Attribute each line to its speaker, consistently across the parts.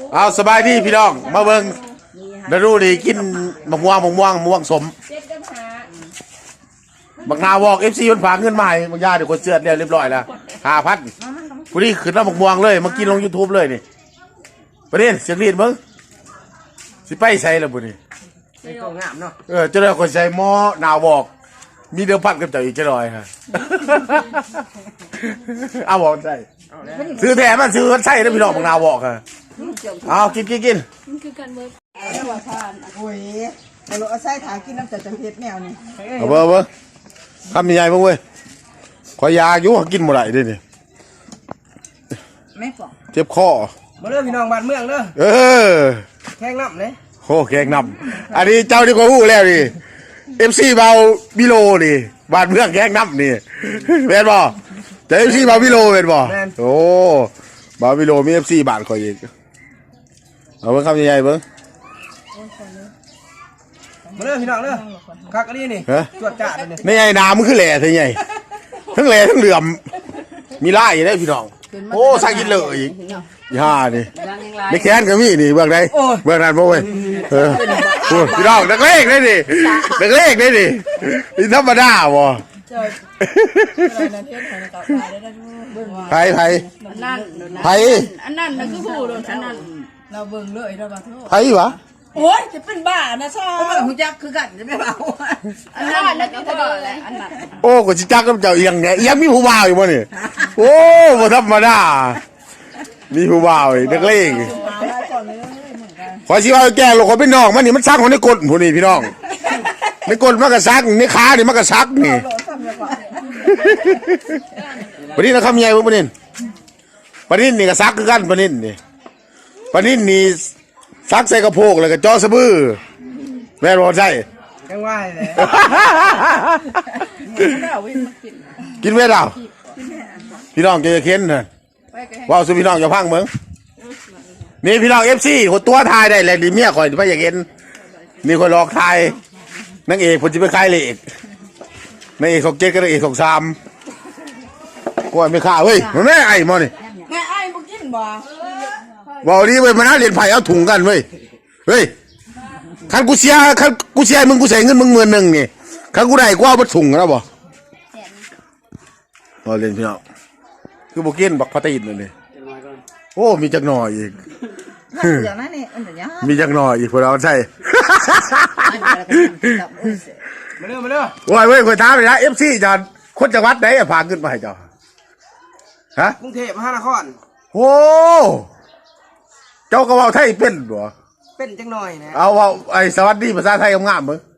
Speaker 1: เอาสบายดีพี่น้องมาเบิ่งดารูดีกินมะม่วงสมบักนาวอกFCมันฝากเงินมาให้บางญาติคนเสื้อเรียบร้อยแล้ว5,000ผู้นี้ขึ้นแล้วมะม่วงเลยมากินลง YouTube เลยนี่ประเด็นเสียงรีดมึงสิไปใส่แล้วบุนี่งามเนาะจะได้คนใส่หม้อนาวบอกมีเดือพัดกับเจ้าอีกจะลอยฮะเอาบอกใส่ซื้อแถมมันซื้อใส่แล้วพี่น้องบักนาวบอกฮะเอากิน
Speaker 2: คือการเบิร์ด
Speaker 3: โอ้ยเราเอาใส่ถากินน้ำจัดเพชรแนวนี่
Speaker 1: เอาเบอร์ทำยังไงบ้างเว้ยขอยาอยู่กินหมดเลยดินี่
Speaker 3: ไม่ปอก
Speaker 1: เจ็บคอ
Speaker 4: มาเริ่มพี่น้องบ้านเมืองเด้อแข่งน้ำเลย
Speaker 1: โอ้แข่งน้ำอันนี้เจ้าที่กูพูดแล้วดิFC เบาบิโลดิบ้านเมืองแข่งน้ำนี่เป็นบ่แต่ FC เบาบิโลเป็นบ่โอ้เบาบิโลมี FC บ้านคอยอีกเอาเบิ่งคำใหญ่ๆเบิ่ง
Speaker 4: มาเริ่มพี่น้องเด้อคักอันนี้นี่จวดจ่าเลย
Speaker 1: นี่ไงน้ำมันคือแหล่ทั้งใหญ่ทั้งแหล่ทั้งเหลื่อมมีไล่ได้พี่น้องโอ้สักกินเลยอีกย่านี่ไม่แค้นก็มีนี่เบื้องใดเบื้องนั้นบ่เว้ยพี่น้องนักเลงได้ดินี่ธรรมดาบ่ไผ
Speaker 2: อันนั้นนะคือผู้โดนอันนั้น
Speaker 3: เราเบิ่งเลยเราบ้า
Speaker 1: ไผวะ
Speaker 3: โอ้ยจะเป็นบ้านะซ่าหูจักคือกันจะไม่เบา
Speaker 2: อันนั้นนะคือผู้แหละอันนั้น
Speaker 1: โอ้ก็สิจักกับเจ้าเอียงเนี่ยเอียงมีผู้บ่าวอยู่บ่นี่โอ้บ่ธรรมดามีผู้บ่าวนักเลงขอสิว่าแก่ลูกคนเป็นน้องมันนี่มันซักของในกดผู้นี่พี่น้องในกดมันก็ซักในขานี่มันก็ซักนี่ปนินคำใหญ่ปนินนี่ก็ซักคือกันปนินนี่ซักใส่กระโปงแล้วก็จ่อสะบือแม่บอกใช่
Speaker 4: ยังว่าเลย
Speaker 1: กินเวลาพี่น้องจะเค้นนะว้าวสุพี่น้องจะพังมึงนี่พี่น้องFCคนตัวทายได้แหละดีเมียคอยไม่อยากเห็นนี่คนหลอกทายนางเอกผมจะไปคลายเลยนางเอกของเจ็ดกับนางเอกของ3กูไม่ฆ่าเฮ้ยมันแม่ไอ้มอนี่
Speaker 3: แม่ไอ้บุกินบ่
Speaker 1: บอกดีเว้ยมันน่าเรียนไผ่เอาถุงกันเว้ยคันกูเสียมึงกูใส่เงินมึง10,000นี่คันกูได้กูเอาไปถุงแล้วบ่พอเรียนพี่น้องคือบุกินบักพัตยินเลยโอ้มีจักหน่อยอีกมีจักหน่อยอีกพวกเราใช่
Speaker 4: มาเริ่ม
Speaker 1: เว้ยคนท้าไปนะ FC จอนคนจังหวัดไหนพาขึ้นมาให้เจ้าฮะ
Speaker 4: กรุงเทพมหานคร
Speaker 1: โอ้เจ้าก็ว่าไทยเป็นบ่
Speaker 4: เป็นจังหน่อยนะ
Speaker 1: เอาว่าไอ้สวัสดีภาษาไทยงามๆมึง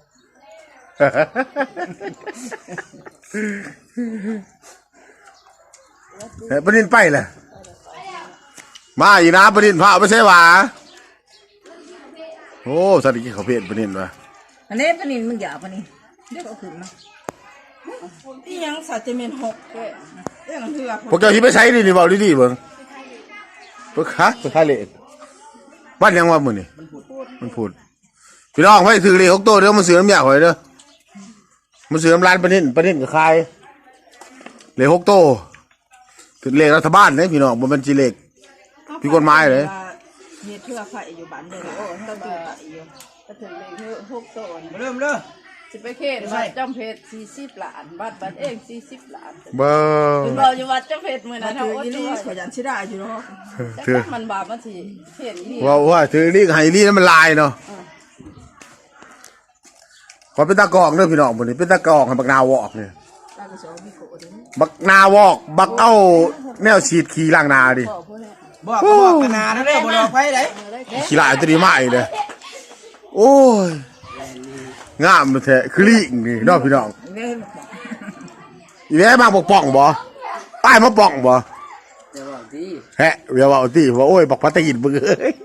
Speaker 1: ปนินไปเลยมาอีนะปนินพาไม่ใช่หวาโอ้สวัสดีเขาเพี้ยนปนินวะ
Speaker 3: อันนี้ปนินมึงอย่าปนินเดี๋ยวเขาขึ้นนะที่ยังสัตว์เจมิน6เรื่องเถื่อ
Speaker 1: พวกเจ้าที่ไปใช้นี่บอกดีๆเบิ้งพวกฮะพวกไทยเลยบ้านยังว่ามึงนี่มันพูดพี่น้องไม่ถือเลย6 ตัวเดี๋ยวมันเสือน้ำยาหอยเด้อมันเสือน้ำร้านปนินกับใครเลย6 ตัวถึงเลขรัฐบาลเนี่ยพี่น้องมันเป็นจีเลขพี่กฎหมายเลย
Speaker 3: มีเถื่อไฟอยู่บ้านเด้อโอ้ต้องดูไฟอยู่ก็ถึงเลข6 ตัว
Speaker 4: มาเริ่มเด้อ
Speaker 2: สิไปเขตวัดจำเพชร40 ล้านบัตรเอง40 ล้าน
Speaker 1: เบอร์
Speaker 2: คุณบอกอยู่วัดจำเพชรมือนะเท่า
Speaker 3: ที่นี่ขยันชิได้อยู่เนาะ
Speaker 2: ถือมันบาปมาทีเห็นนี่
Speaker 1: ว่าถือนี่ไฮนี่นั่นมันลายเนาะขอเป็นตะกอกเด้อพี่น้องคนนี้เป็นตะกอกให้บักนาวอกเนี่ยบักนาวอกบักเอาแนวฉีดขี่ล่างนาดิ
Speaker 4: บอกกันนาเด้อบอกไปไหน
Speaker 1: ขี่ลายตัวนี้มาอีกเลยโอ้ยงามแท้คือลิงนี่น้องพี่น้องอีแม่มาบอกป่องบ่ป้ายมาป่องบ่แฮะเดี๋ยวบอกที่ว่าโอ้ยบอกพัตยินมึงเอ้ย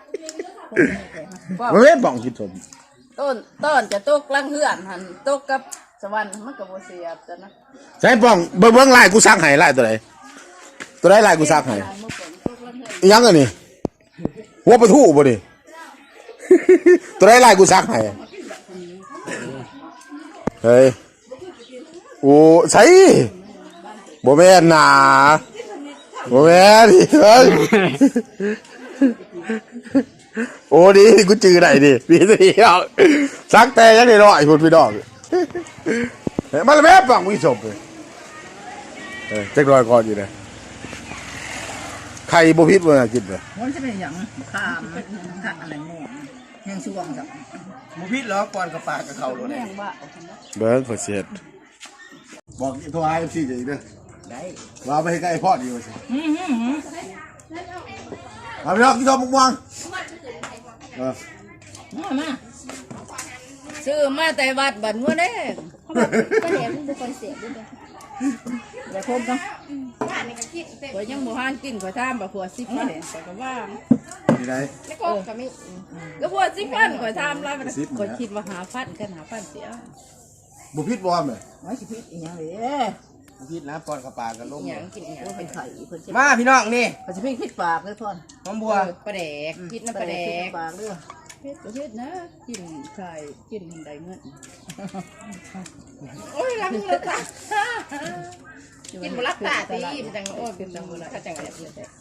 Speaker 1: มันไม่ป่องกินสม
Speaker 2: ต้นจะตกลังเหือนหันตกกับสวรรค์มันกับโบเสียบจ้ะนะ
Speaker 1: ใช่ป่องเบิ้งลายกูซักให้ลายตัวไหนลายกูซักให้ยังไงนี่หัวปะทู่บ่ดิตัวไหนลายกูซักให้เฮ้ยโอ้ใช่บ่แม่นน่ะบ่แม่นเฮ้ยโอ้ดีกูจือได้ดิพี่สีเอาซักแต่ยังได้รอยพุ่นพี่น้องมาแล้วแม่ฟังวิศพเลยจักรอยก่อนอยู่เลยไข่บ่พิษบ่น่ากินเลย
Speaker 3: มันจะเป็นอย่างข้ามข้ามอะไรม่วงแห้งช่วงจับ
Speaker 4: หมูพิษเหรอก่อนกับปลากับเขาเลย
Speaker 2: แม่งบ้า
Speaker 1: เบิ้งขอเสียดบอกโทรหาเอฟซีจะอีกเด้อ
Speaker 3: ได้
Speaker 1: ว่าไปให้ใกล้พ่อดีกว่าสิมาพี่น้องกินข้าวมุกม่วง
Speaker 3: มา
Speaker 2: ซื้อมาแต่วัดบัดงัวเด้
Speaker 5: ก็เดี๋ยวมันเป็นคนเสียด้วย
Speaker 3: อย่าคมกัน
Speaker 2: ข่อยยังบ่หานกินข่อยถามบ่ผัว10มาเด้ข่อยก็ว่า
Speaker 1: ที่ไหน
Speaker 5: แล้วก็ก็ไม่
Speaker 2: ก็ผัว10พันข่อยถามแล้วข่อยคิดว่า5,000กัน5,000เสีย
Speaker 1: บุพิษบอมเลย
Speaker 3: ไว้สิพิษอีกอย่างเลย
Speaker 4: หมูพิษนะก่อนกับปลากับลม
Speaker 2: หยังกินหยัง
Speaker 3: ว่าเป็นไข่เพิ่นจะ
Speaker 4: มาพี่น้องนี่
Speaker 3: เขาจะพิษพิษปากเลยพ่อน
Speaker 4: หอมบัว
Speaker 2: ปลาแดกคิดนะปลาแดก
Speaker 3: ปากเลย
Speaker 2: เฮ็ดประเทศนะกินไข่กินได้เงินโอ้ยรักเลยค่ะกินบ่รักตาตีมันจังโอ้ยเป็นจังบ่รักจังแบบนี้แต่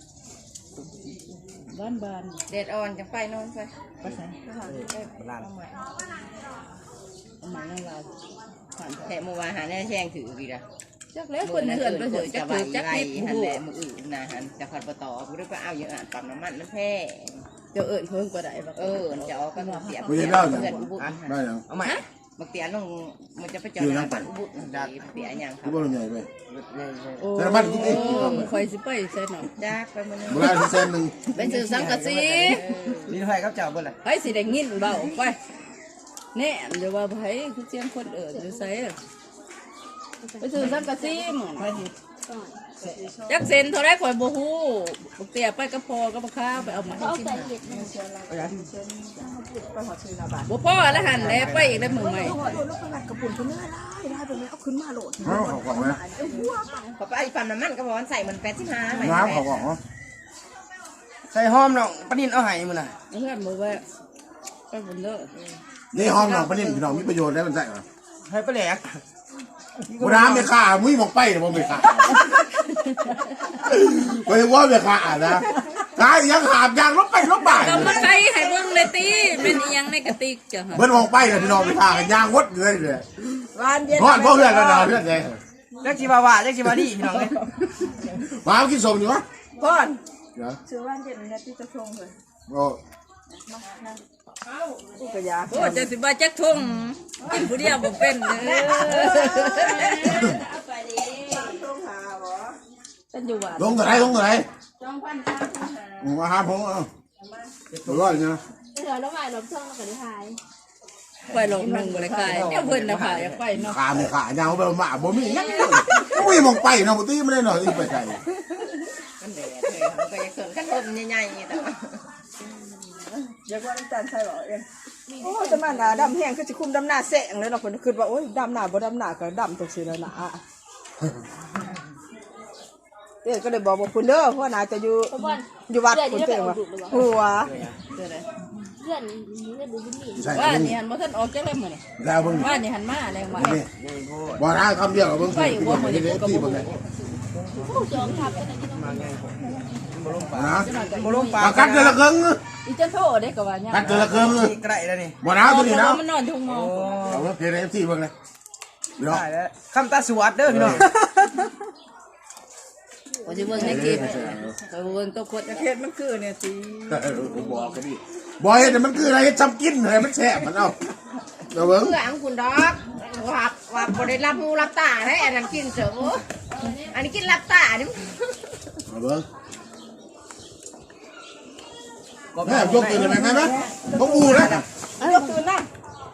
Speaker 2: บ้านๆเด็ดอ่อนจังไปนอนไป
Speaker 3: ไปใส่
Speaker 4: ร้าน
Speaker 2: เอาใหม่นั่งลาวผ่านแถมวาหาแน่แช่งถืออีกละจักแล้วคนเถื่อนไปเถอะจักถือจักนิดหันแหละมืออื่นนะหันจะขัดประตอกูได้ไปเอาอย่างอ่านปั๊มน้ำมันมันแพ้เจ้าเอิญเพิ่งกว่าใดบักจะเอาก็เสีย
Speaker 1: ไม่ใช่เล่าอย่าง
Speaker 2: เพื่อนอุบุ
Speaker 1: ได้ยัง
Speaker 4: เอาใหม่
Speaker 2: บักเตียลงมันจะไปจอดงานปั่นอุบุเตียยังครั
Speaker 1: ที่
Speaker 2: บ
Speaker 1: บ้านใหญ่ไป
Speaker 2: โอ้คอยสิไปใส่หนอจักไปมัน
Speaker 1: โบราณที่เส้นหนึ่ง
Speaker 2: เป็นสื่อสังกะสี
Speaker 4: นี่ไฟครับเจ้าเบิ่งเลย
Speaker 2: ไปสิได้ยินเบาไปแน่เดี๋ยวว่าไผคือเสียงคนเอิญหรือไสไปสื่อสังกะสีมึงจักเซนเท่าไรข่อยบ่ฮู้บักเตียไปกับพ่อกับบักข้าไปเอามา
Speaker 5: เอาแต่เห็ดมัน
Speaker 2: บ่พ่อแล้วหันแล้วไปอีกได้มือใหม่
Speaker 1: เขาของไหม
Speaker 2: ขอไปปั๊มน้ำมันก็บอกใส่มัน85
Speaker 1: น้ำเขาของเนาะ
Speaker 4: ใส่หอมน้องปลานินเอาไห้มึงน่ะ
Speaker 2: เพื่อนบอกว่าไปบนเลิก
Speaker 1: นี่ห้องน้องปนิ่มพี่น้องมีประโยชน์ได้มันใส่เหรอ
Speaker 4: ให้ปลาแหลก
Speaker 1: โบราณไม่ฆ่ามุ้ยมองไปหรือไม่ฆ่าไม่ว่าไม่ฆ่านะตายยังหาบยางลบไปลบบ่าย
Speaker 2: ก็มาใครให้เบิ่งเลยตีเป็นอีหยังในกระติกจ้ะฮะ
Speaker 1: เบิ้ลมองไปเลยพี่น้องไม่ฆ่ากันยางวดเลยเลย
Speaker 3: วานเย็น
Speaker 1: นอนพ่อเพื่อนกันนอนเพื่อนเลย
Speaker 4: เล็กจีบาวาเล็กจีบาดีพี่น้องเลย
Speaker 1: มากินสมอยู่วะ
Speaker 3: พ่อน
Speaker 1: เดี๋ยว
Speaker 3: ชื่อวานเย็นเนี่ยที่จะชงเลย
Speaker 1: โอ้
Speaker 3: ผู้กระยา
Speaker 2: โอ้จะสิบ่าจักทุ่งกินผู้เดียวบ่เป็นเด้อเป็นอยู่ว่า
Speaker 1: ลงตัวไหนลงตัวไหนมาหาผมเอาร้อยนะ
Speaker 5: เดี๋ยวเราใหม่ลบช่องแล้วก็ได้หาย
Speaker 2: ไปลงนึงบ่ได้ขายเดี๋ยวเพิ่นน่ะค่ะอยากไปเนาะ
Speaker 1: ขาไม่ขายาวไปมาบ่มียังมุ้ยมองไปเนาะบ่ตีไม่ได้หน่อยอีไปไกล
Speaker 2: มันแดดเลยมันก็อยากสนกันลมใหญ่ๆแต่ว่า
Speaker 3: เดี๋ยวว่าน้ำตาลใส่บ่เองโอ้จะมาหนาดำแห้งคือจะคุมดำหน้าแสงเลยเนาะคนคือว่าโอ้ยดำหน้าบ่ดำหน้าก็ดำตกสิแล้วนะเดี๋ยวก็เลยบอกคุณเด้อเพราะน่าจะอยู่
Speaker 5: เพราะว่า
Speaker 3: อยู่วัดคุณเจ้าว่าหัว
Speaker 2: เด้อ
Speaker 5: เพื่อนดูบุญนี่
Speaker 1: ใช่
Speaker 2: ว่านี่หันบ่ทันออกจักแล้วมื้อนี่
Speaker 1: แล้วเบิ่ง
Speaker 2: ว่านี่หันมาแรงมา
Speaker 1: นี่บ่ได้คำเดียวกับเบิ่ง
Speaker 2: ไปอยู่บ่มื้อนี้ก็บ่
Speaker 1: เลย
Speaker 5: ผู้จองทับกันที่ต้อง
Speaker 1: นะ
Speaker 4: โมลงปลา
Speaker 1: กัดเดือนละครึ่ง
Speaker 2: อีจันโทเด้ก็ว่าหยัง
Speaker 1: กัดเดือนละครึ่ง
Speaker 4: นี่กระไรแล้วนี่
Speaker 1: บ่นะตัวนี้นะ
Speaker 2: มันนอนทุ่งมอง
Speaker 1: เอาเพียงเอฟซีเบิ่งเลยพี่น้อง
Speaker 4: ได้แล้วคำตาสวัสดเด้อพี่น้อง
Speaker 2: ว่าสิเบิ่งในคลิปก็เบิ่งตัวกด
Speaker 3: เขตมันคือเนี่ยสิ
Speaker 1: ผมบอกกันดิบอยเนี่ยมันคืออะไรจำกินอะไรมันแฉะมันเอาเดี๋ยวเบิ่ง
Speaker 2: เพื่อนคุณดอกว่าบ่ได้รับหูรับตาให้อันนั้นกินเสืออันนี้กินรับตานี่
Speaker 1: เอาเบิ่งแม่ยกตื่นเลยไหมแม่ต้องอูนะ
Speaker 3: อันนี้คือนั่ง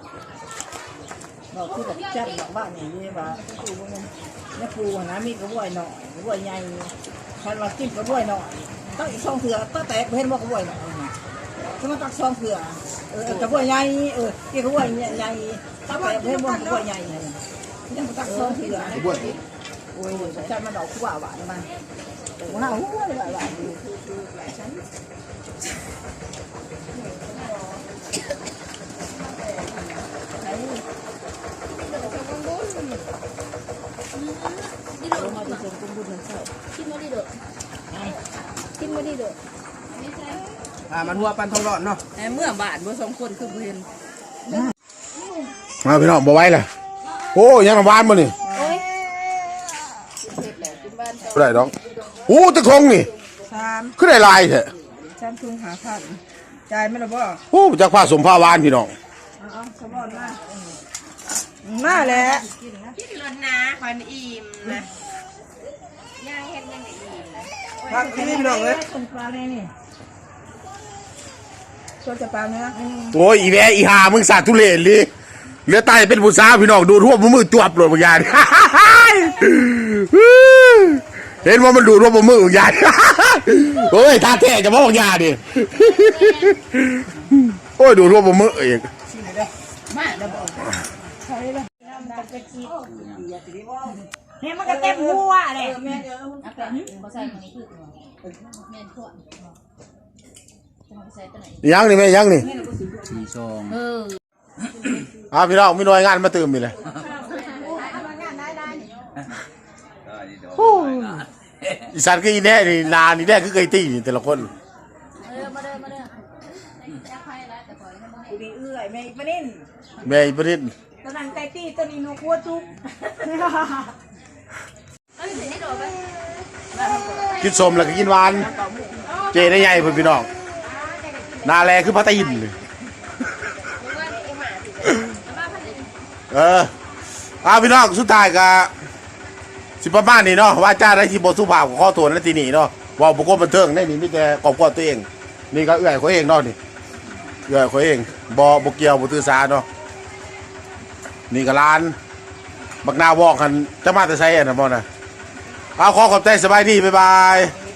Speaker 3: เราคือแบบจัดแบบบ้านอย่างนี้ว่าปูเนี่ยปูนะมีกระบวยหน่อยกระบวยใหญ่คันว่ากินกระบวยหน่อยต้องอีก2เถื่อต้องแตกเห็นว่ากระบวยหน่อยถ้ามันตัก2เถื่อกระบวยใหญ่กินกระบวยใหญ่ต้องแตกเห็นว่ากระบวยใหญ่ยังตัก2เถื่อ
Speaker 1: บ้วย
Speaker 3: โอ้ยจัดมาดอกคู่หวานมาหน้าหัวหวาน
Speaker 5: กินมาดีเด้อกินมาดีเด้อไม่ใช่
Speaker 4: มันหัวปันทองร้อนเนาะ
Speaker 2: เมื่อบาทบ่สองคนคือบ่เห็น
Speaker 1: มาพี่น้องบ่ไหว้เลยโอ้ยังน้ำหวานบ่นี่บ่ได้ดอกโอ้ตะคงนี่
Speaker 3: 3
Speaker 1: คือได้ลายแท้
Speaker 3: 3ทุ่ง5,000จ่ายไหมล่ะบ่
Speaker 1: โอ้จากผ้าสมผ้าหวานพี่น้อง
Speaker 3: เอาสมอนมาแหละ
Speaker 2: คิดรถนะคอยอิ่มนะย่างเฮ็ดยังไงอิ่มนะ
Speaker 4: พักที่นี่พี่น้องเลย
Speaker 3: คนปลาเลยนี่ตัวจะปลาเนื้อ
Speaker 1: โอ้ยอีแม่อีหามึงสาดทุเรศเลยเหลือตายเป็นผู้สาวพี่น้องดูทั่วมือจวบเลยบางอย่าง เห็นว่ามันดูทั่วมือบางอย่าง โอ้ยท่าแท้จะบอกบางอย่างดิ โอ้ยดูทั่วมือเอง
Speaker 3: เนี่ยมันก็เต็มหัวเลย
Speaker 1: ยังนี่แม่ยังนี่
Speaker 4: สี่ซอง
Speaker 1: พี่น้องมีหน่วยงานมาเติมมีเลยอีสานก็อีแน่นี่นานี่แน่คือไก่ตีนี่แต่ละคน
Speaker 3: กูดีเอื้อยไม่ประเด็น
Speaker 1: แม่อีประเทศ
Speaker 3: ตอนนั้นไก่ตีตอนนี้หนูกลัวจุก
Speaker 1: กินสมแล้วก็กินหวาน เจได้ใหญ่เพื่อนพี่น้องนาแลคือพัตยินเลยพี่น้องสุดท้ายก็สิประมาณนี้เนาะว่าจ้าได้ที่บทสุภาพของข้อโทษนั่นทีนี่เนาะว่าบุคคลบันเทิงได้นี่มีแต่กอบกวนตัวเองนี่ก็เอื่อยเขาเองเนาะนี่เอื่อยเขาเองบเกี่ยวบตือสาเนาะนี่ก็ร้านบักนาวอกกันจะมาแต่ใช้อันนั้นบ่นะขอขอบใจสบายดีบ๊ายบาย